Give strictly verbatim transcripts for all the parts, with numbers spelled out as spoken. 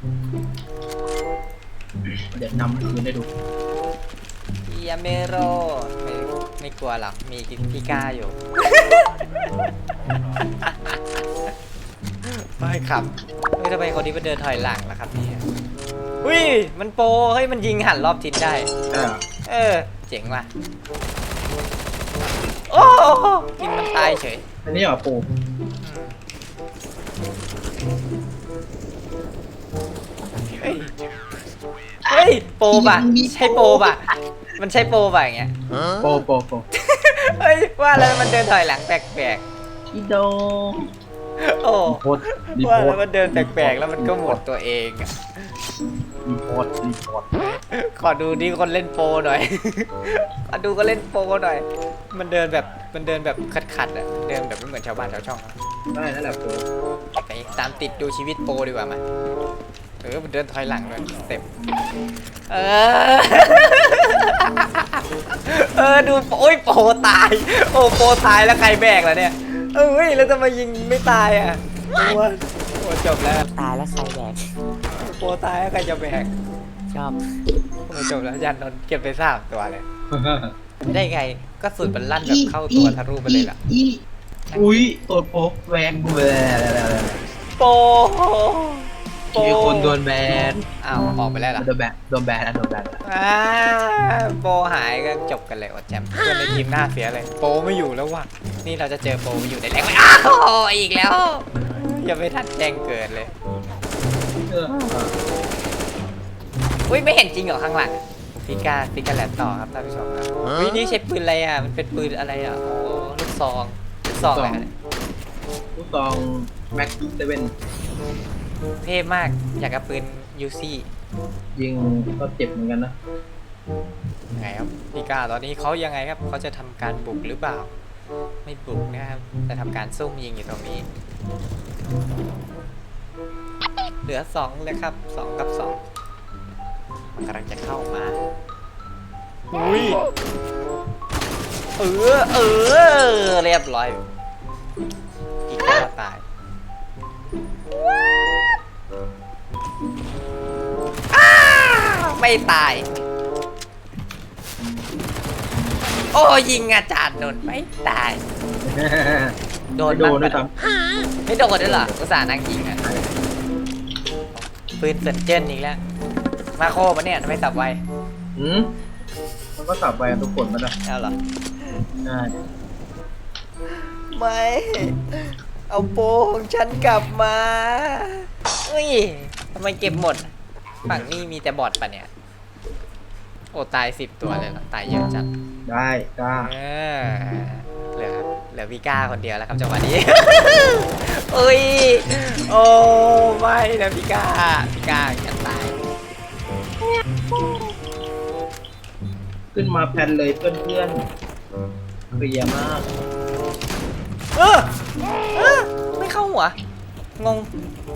เดี๋ยวนำคืนได้ดูยาเมโรไม่ไม่กลัวหรอกมีพี่ก้าอยู่ ไม่ครับเฮ้ยทำไมคนนี้มันเดินถอยหลังล่ะครับเนี่ยอุ้ยมันโปรเฮ้ยมันยิงหันรอบทิศได้เออเออเจ๋งว่ะโอ้ยิงมันตายเฉยอันนี้เหรอปูเฮ้ยเฮ้ยโปรป่ะใช่โปรป่ะมันใช่โปรป่ะอย่างเงี้ยโปโปโปเฮ้ยว่าแล้วมันเดินถอยหลังแปลกอีโดๆโอ้รีโพสต์รีว่าโพสแล้วต์มันเดินแปลกๆแล้วมันก็หมดตัวเองอะรีโพสต์รีโพสต์ขอดูดิคนเล่นโปรหน่อย ขอดูก็เล่นโปรหน่อย มันเดินแบบมันเดินแบบขัดๆอ่ะเดินแบบไม่เหมือนชาวบ้านชาวช่องอะได้นั่นแหละปูไปตามติดดูชีวิตโปรดีกว่ามาเออมันเดินถอยหลังเลยสเต็ปเออ เออดูโอ้ยโปรตายโอ้โปรตายแล้วใครแบกล่ะเนี่ยเอ้ยแล้วจะมายิงไม่ตายอ่ะโอ้ยโอ้จบแล้วตายแล้วใครแบกโปรตายแล้วใครจะแบกชอบโอ้จบแล้วยันนนท์เก็บไปสามตัวเลยไม่ได้ไงก็สุดมันลั่นแบบเข้าตัวทะลุไปเลยล่ะอีอุ้ยตัวโป๊กแวงแวงโปโปมีคนโดนแบนอ้าวออกไปแล้วเหรอโดนแบนโดนแบนนะโดนแบนอ่าโปหายก็จบกันเลยว่าแจมเพื่อนในทีมหน้าเสียเลย โปไม่อยู่แล้วว่ะนี่เราจะเจอโปไม่อยู่ในแรงไหมอ้าวอีกแล้วอย่าไปทันแจ้งเกิดเลยเอออุ้ยไม่เห็นจริงเหรอข้างหลังพิกาพิกาแลบต่อครับท่านผู้ชมครับวินี่ใช้ปืนอะไรอ่ะมันเป็นปืนอะไรอ่ะโอ้ลูกซองลูกซองอะไรเนี่ยลูกซองแม็กเซเว่นเท่มากอยากกับปืนยูซี่ยิงก็เจ็บเหมือนกันนะไงครับพิกาตอนนี้เขายังไงครับเขาจะทำการบุกหรือเปล่า ไม่บุกนะครับจะทำการซุ่มยิงอยู่ตรงนี้ เหลือสองเลยครับสองกับสองมันกำลังจะเข้ามาอุ้ยเออเออเรียบร้อยอีกแล้วตายอ้าวไม่ตาย โอ้ยิงอาจารย์นนท์ไม่ตาย โดนโดนบ้างด้วยปะซ้ไม่โดนด้วยเหรออุตส่าห์นั่งยิงอ่ะปืนเซนเจนอีกแล้ว มาโคมาเนี่ยทำไมสับไวำหืมมันก็สับไปกันทุกคนมันนะเอาเหรอใช่ไม่ เอาโปของฉันกลับมาเฮ้ยทำไมเก็บหมด ฝั่งนี้มีแต่บอทปะเนี่ย โอ้ตายสิบตัวเลยเหรอ ตายเยอะจัดได้กล้าเออเหลือเหลือวิก้าคนเดียวแล้วครับจังหวะนี้ เอ้ย โอ้ไม่นะพี่ก้าพี่ก้าจะตายขึ้นมาแพนเลยเพื่อนเพื่อนๆเคลียร์มากเออเออไม่เข้าหัว งง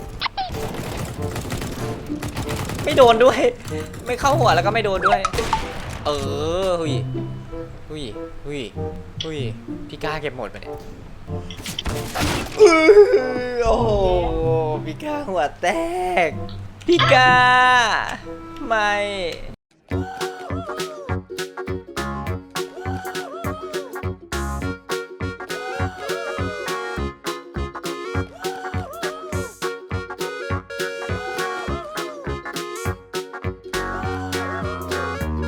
ไม่โดนด้วย ไม่เข้าหัวแล้วก็ไม่โดนด้วย เออหุยหุยหุยหุยพี่ก้าเก็บหมดไปเนี่ยอื้อโอ้โหพี่ก้าหัวแตก พี่ก้า ไม่